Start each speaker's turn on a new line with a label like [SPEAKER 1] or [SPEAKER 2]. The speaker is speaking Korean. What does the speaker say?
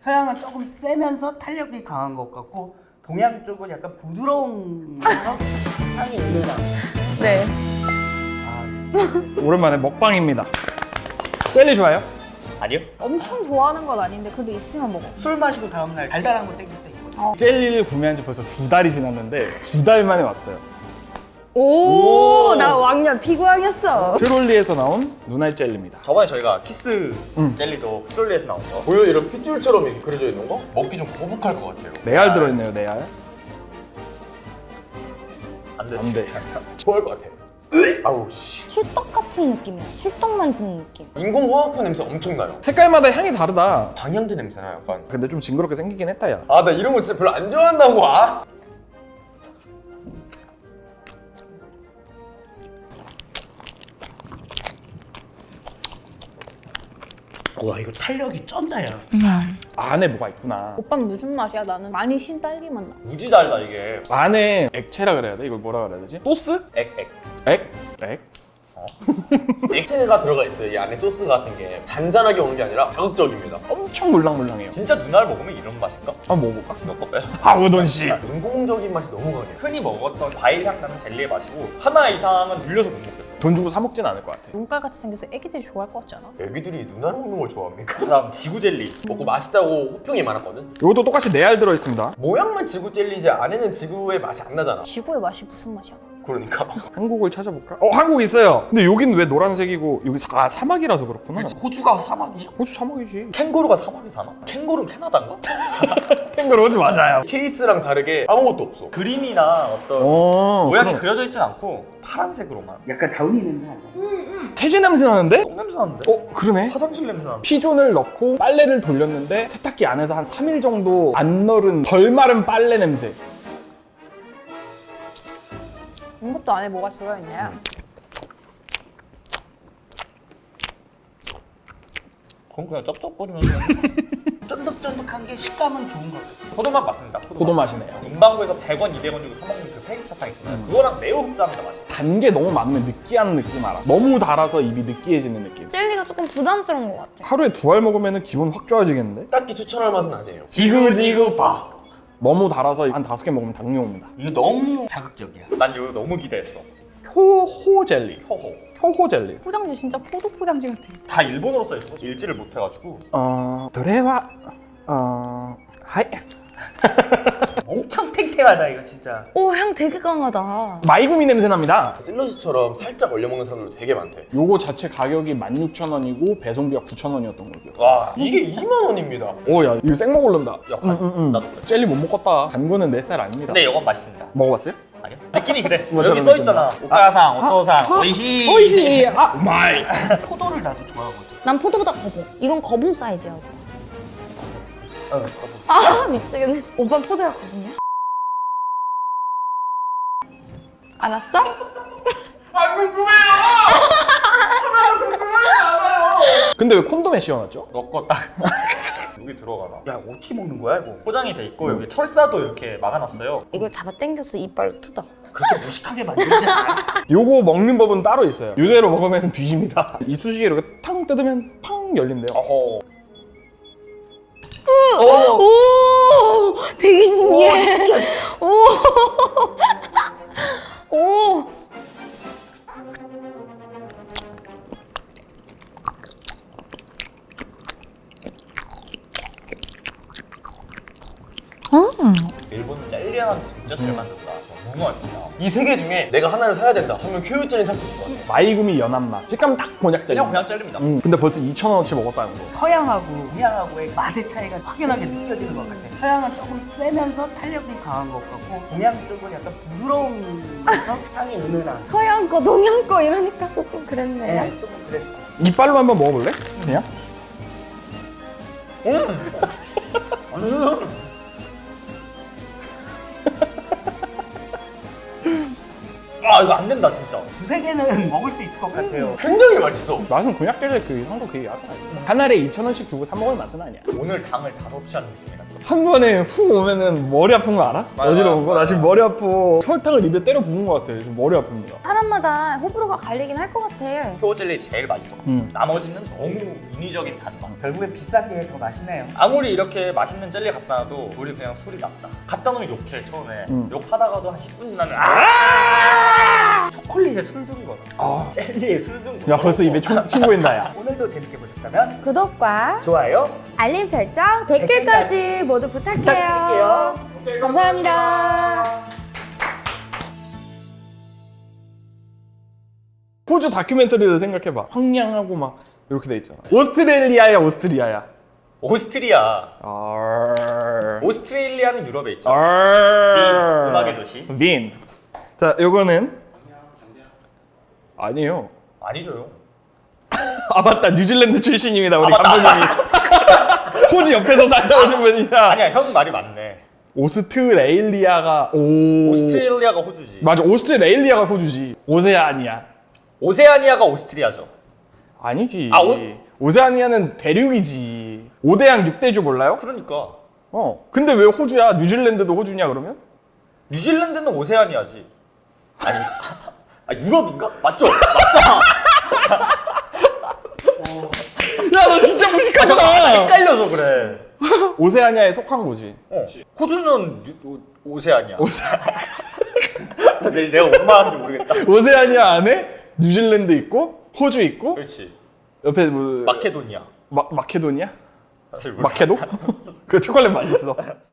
[SPEAKER 1] 서양은 조금 세면서 탄력이 강한 것 같고 동양 쪽은 약간 부드러우면서 향이 은은한.
[SPEAKER 2] 네.
[SPEAKER 3] 오랜만에 먹방입니다. 젤리 좋아요?
[SPEAKER 4] 아니요?
[SPEAKER 2] 엄청 좋아하는 건 아닌데 그래도 있으면 먹어.
[SPEAKER 1] 술 마시고 다음날 달달한 거 땡길 때 있거든요.
[SPEAKER 3] 젤리를 구매한 지 벌써 2달이 지났는데 2달 만에 왔어요.
[SPEAKER 2] 오, 나 왕년 피구왕이었어.
[SPEAKER 3] 트롤리에서 나온 눈알 젤리입니다.
[SPEAKER 4] 저번에 저희가 키스 젤리도 트롤리에서 나온 거.
[SPEAKER 5] 보여 이런 핏줄처럼 이렇게 그려져 있는 거? 먹기 좀 거북할 것 같아요.
[SPEAKER 3] 네알 들어있네요, 네알.
[SPEAKER 4] 안 돼.
[SPEAKER 3] 안 돼.
[SPEAKER 5] 좋아할 것 같아요. 아우 씨.
[SPEAKER 2] 술떡 같은 느낌이야. 술떡 만지는 느낌.
[SPEAKER 5] 인공화학품 냄새 엄청 나요.
[SPEAKER 3] 색깔마다 향이 다르다.
[SPEAKER 5] 방향제 냄새나 약간.
[SPEAKER 3] 근데 좀 징그럽게 생기긴 했다, 야.
[SPEAKER 5] 아 나 이런 거 진짜 별로 안 좋아한다고. 아.
[SPEAKER 1] 와 이거 탄력이 쩐다 야.
[SPEAKER 3] 안에 뭐가 있구나.
[SPEAKER 2] 오빠는 무슨 맛이야? 나는 많이 신 딸기 맛 나.
[SPEAKER 4] 무지 달다 이게.
[SPEAKER 3] 안에 액체라 그래야 돼? 이걸 뭐라 그래야 되지? 소스?
[SPEAKER 4] 액.
[SPEAKER 3] 액? 액?
[SPEAKER 5] 액체가 들어가 있어요. 이 안에 소스 같은 게 잔잔하게 오는 게 아니라 자극적입니다.
[SPEAKER 3] 엄청 물랑물랑해요.
[SPEAKER 4] 진짜 눈알 먹으면 이런 맛인가?
[SPEAKER 3] 한번 먹어볼까?
[SPEAKER 4] 몇거 빼요?
[SPEAKER 3] 아, 우돈 씨.
[SPEAKER 5] 인공적인 맛이 너무 강해요.
[SPEAKER 4] 흔히 먹었던 과일 향 나는 젤리의 맛이고 하나 이상은 늘려서 못 먹겠어.
[SPEAKER 3] 돈 주고 사 먹진 않을 것 같아.
[SPEAKER 2] 눈깔 같이 생겨서 애기들이 좋아할 것 같지 않아?
[SPEAKER 5] 애기들이 눈알 먹는 걸 좋아합니까?
[SPEAKER 4] 그다음 지구 젤리.
[SPEAKER 5] 먹고 맛있다고 호평이 많았거든.
[SPEAKER 3] 이것도 똑같이 네알 들어있습니다.
[SPEAKER 5] 모양만 지구 젤리지 안에는 지구의 맛이 안 나잖아.
[SPEAKER 2] 지구의 맛이 무슨 맛이야?
[SPEAKER 5] 그러니까.
[SPEAKER 3] 한국을 찾아볼까? 한국 있어요. 근데 여긴 왜 노란색이고 여기 사막이라서 그렇구나.
[SPEAKER 4] 호주가 사막이야?
[SPEAKER 3] 호주 사막이지.
[SPEAKER 4] 캥거루가 사막에 사나? 캥거루는 캐나다인가?
[SPEAKER 3] 캥거루 호주 맞아요.
[SPEAKER 5] 케이스랑 다르게 아무것도 없어.
[SPEAKER 4] 그림이나 어떤 모양이 그려져 있진 않고 파란색으로만.
[SPEAKER 1] 약간 다운이 냄새 나요.
[SPEAKER 3] 태지 냄새 나는데?
[SPEAKER 4] 똥 냄새 나는데?
[SPEAKER 3] 그러네.
[SPEAKER 4] 화장실 냄새 나는데?
[SPEAKER 3] 피존을 넣고 빨래를 돌렸는데 세탁기 안에서 한 3일 정도 안 널은 덜 마른 빨래 냄새.
[SPEAKER 2] 이것도 안에 뭐가 들어있네.
[SPEAKER 4] 그건 그냥 쩝쩝거리면서
[SPEAKER 1] 쫀득쫀득한 게 식감은 좋은 것 같아요.
[SPEAKER 4] 포도맛 맞습니다.
[SPEAKER 3] 포도 맛이네요.
[SPEAKER 4] 문방구에서 100원, 200원 주고 사 먹는 그 폐기 사탕 있잖아요. 그거랑 매우 흡사합니다 맛이.
[SPEAKER 3] 단 게 너무 많으면 느끼한 느낌 알아. 너무 달아서 입이 느끼해지는 느낌.
[SPEAKER 2] 젤리가 조금 부담스러운 것 같아.
[SPEAKER 3] 하루에 2알 먹으면 기분 확 좋아지겠는데?
[SPEAKER 5] 딱히 추천할 맛은 아니에요.
[SPEAKER 4] 지구지구파.
[SPEAKER 3] 너무 달아서 한 5개 먹으면 당뇨 옵니다.
[SPEAKER 1] 이거 너무 자극적이야.
[SPEAKER 4] 난 이거 너무 기대했어.
[SPEAKER 3] 효호 젤리.
[SPEAKER 4] 효호.
[SPEAKER 3] 효호 젤리.
[SPEAKER 2] 포장지 진짜 포도 포장지 같아.
[SPEAKER 4] 다 일본어로 써있어. 읽지를 못해가지고.
[SPEAKER 3] 도레와 하이.
[SPEAKER 1] 엄청 탱탱하다 이거 진짜.
[SPEAKER 2] 오, 향 되게 강하다.
[SPEAKER 3] 마이구미 냄새 납니다.
[SPEAKER 5] 슬러시처럼 살짝 얼려 먹는 사람들도 되게 많대.
[SPEAKER 3] 요거 자체 가격이 16,000원이고 배송비가 9,000원이었던 거고요.
[SPEAKER 4] 와.
[SPEAKER 5] 이게 2만 원입니다.
[SPEAKER 3] 오야 이거 생먹 오른다.
[SPEAKER 4] 역할. 나도 그래.
[SPEAKER 3] 젤리 못 먹겠다. 단 거는 내 스타일 아닙니다.
[SPEAKER 4] 근데 이건 맛있습니다.
[SPEAKER 3] 먹어봤어요?
[SPEAKER 4] 아니요? 느낌이 그래.
[SPEAKER 3] 맞아,
[SPEAKER 4] 여기
[SPEAKER 3] 맞아,
[SPEAKER 4] 써있잖아. 오카야상, 오토상, 오이시.
[SPEAKER 3] 오이시. 마이.
[SPEAKER 1] 포도를 나도 좋아하거든.
[SPEAKER 2] 난 포도보다 거봉. 이건 거봉 사이즈야.
[SPEAKER 1] 거북.
[SPEAKER 2] 아, 미치겠네. 오빠 포도야 거봉이야? 알았어?
[SPEAKER 3] 근데 왜 콘돔에 씌워놨죠?
[SPEAKER 4] 넣고 딱 여기 들어가나.
[SPEAKER 1] 야 어떻게 먹는 거야 이거?
[SPEAKER 4] 포장이 돼 있고 여기 철사도 이렇게 막아놨어요.
[SPEAKER 2] 이걸 잡아 당겨서 이빨로 뜯어.
[SPEAKER 1] 그렇게 무식하게 만들지 않아.
[SPEAKER 3] 요거 먹는 법은 따로 있어요. 요대로 먹으면 뒤집니다. 이쑤시개 이렇게 탕 뜯으면 팡 열린대요.
[SPEAKER 4] 어허.
[SPEAKER 2] 오, 되게 신기해. 오, 오.
[SPEAKER 4] 일본 젤리 하나 진짜 잘 만든다. 너무 맛있다.
[SPEAKER 5] 이 세 개 중에 내가 하나를 사야 된다 하면 효율 젤리 살 수 있을 것 같아.
[SPEAKER 3] 마이구미 연한 맛. 식감 딱 곤약 젤리.
[SPEAKER 4] 그냥 젤리입니다.
[SPEAKER 3] 근데 벌써 2,000원어치 먹었다는 거.
[SPEAKER 1] 서양하고 동양하고의 맛의 차이가 확연하게 느껴지는 것 같아. 서양은 조금 세면서 탄력이 강한 것 같고 동양 쪽은 약간 부드러우면서 향이 은은한.
[SPEAKER 2] 서양 거, 동양 거 이러니까 조금 그랬네.
[SPEAKER 1] 네, 조금 그랬어.
[SPEAKER 3] 이빨로 한번 먹어볼래? 그냥?
[SPEAKER 4] 아 이거 안 된다 진짜.
[SPEAKER 1] 두세 개는 먹을 수 있을 것 같아요.
[SPEAKER 5] 굉장히 맛있어.
[SPEAKER 3] 맛은 곤약 젤리 그 향도 그게 약간 한 알에 2,000원씩 주고 사 먹을 맛은 아니야.
[SPEAKER 4] 오늘 당을 다 섭취하는 느낌이라.
[SPEAKER 3] 한 번에 훅 오면은 머리 아픈 거 알아?
[SPEAKER 4] 맞아,
[SPEAKER 3] 어지러운 거? 나
[SPEAKER 4] 맞아.
[SPEAKER 3] 지금 머리 아프. 설탕을 입에 때려 부은 거 같아. 지금 머리 아픕니다.
[SPEAKER 2] 사람마다 호불호가 갈리긴 할 것 같아.
[SPEAKER 4] 효 젤리 제일 맛있어. 나머지는 너무 인위적인 단맛.
[SPEAKER 1] 결국엔 비싼 게 더 맛있네요.
[SPEAKER 4] 아무리 이렇게 맛있는 젤리 갖다 놔도 우리 그냥 술이 납다. 갖다 놓으면 욕해 처음에. 욕하다가도 한 10분 지나면 초콜릿에 술 든 거다.
[SPEAKER 3] 아.
[SPEAKER 4] 젤리에 술 든 거.
[SPEAKER 3] 야 벌써 입에 친구인다 야.
[SPEAKER 1] 오늘도 재밌게 보셨다면
[SPEAKER 2] 구독과
[SPEAKER 1] 좋아요
[SPEAKER 2] 알림 설정, 댓글까지 모두 부탁해요.
[SPEAKER 1] 부탁드릴게요.
[SPEAKER 2] 감사합니다.
[SPEAKER 3] 호주 다큐멘터리를 생각해봐. 황량하고 막 이렇게 돼 있잖아. 오스트레일리아야 오스트리아야.
[SPEAKER 4] 오스트리아.
[SPEAKER 3] 알.
[SPEAKER 4] 오스트레일리아는 유럽에 있죠.
[SPEAKER 3] 알.
[SPEAKER 4] 음악의 도시.
[SPEAKER 3] 빈. 자, 요거는 아니에요.
[SPEAKER 4] 아니죠요.
[SPEAKER 3] 아 맞다, 뉴질랜드 출신입니다 우리
[SPEAKER 4] 맞다.
[SPEAKER 3] 감독님이. 호주 옆에서 살다 오신 분이라.
[SPEAKER 4] 아니야, 형 말이 맞네.
[SPEAKER 3] 오스트레일리아가 오.
[SPEAKER 4] 오스트레일리아가 호주지.
[SPEAKER 3] 맞아, 오스트레일리아가 호주지. 오세아니아.
[SPEAKER 4] 오세아니아가 오스트리아죠.
[SPEAKER 3] 아니지.
[SPEAKER 4] 아,
[SPEAKER 3] 오세아니아는 대륙이지. 5대양 6대주 몰라요?
[SPEAKER 4] 그러니까
[SPEAKER 3] 근데 왜 호주야? 뉴질랜드도 호주냐 그러면?
[SPEAKER 4] 뉴질랜드는 오세아니아지. 아니, 유럽인가? 맞죠? 맞잖아.
[SPEAKER 3] 야, 너 진짜
[SPEAKER 4] 나
[SPEAKER 3] 무식하잖아.
[SPEAKER 4] 헷갈려서 그래.
[SPEAKER 3] 오세아니아에 속한 거지.
[SPEAKER 4] 호주는 오세아니아. 내가 뭔 말하는지 모르겠다.
[SPEAKER 3] 오세아니아 안에 뉴질랜드 있고 호주 있고
[SPEAKER 4] 그렇지.
[SPEAKER 3] 옆에 뭐
[SPEAKER 4] 마케도니아.
[SPEAKER 3] 마케도니아?
[SPEAKER 4] 사실 몰라.
[SPEAKER 3] 마케도? 그 초콜릿 맛있어.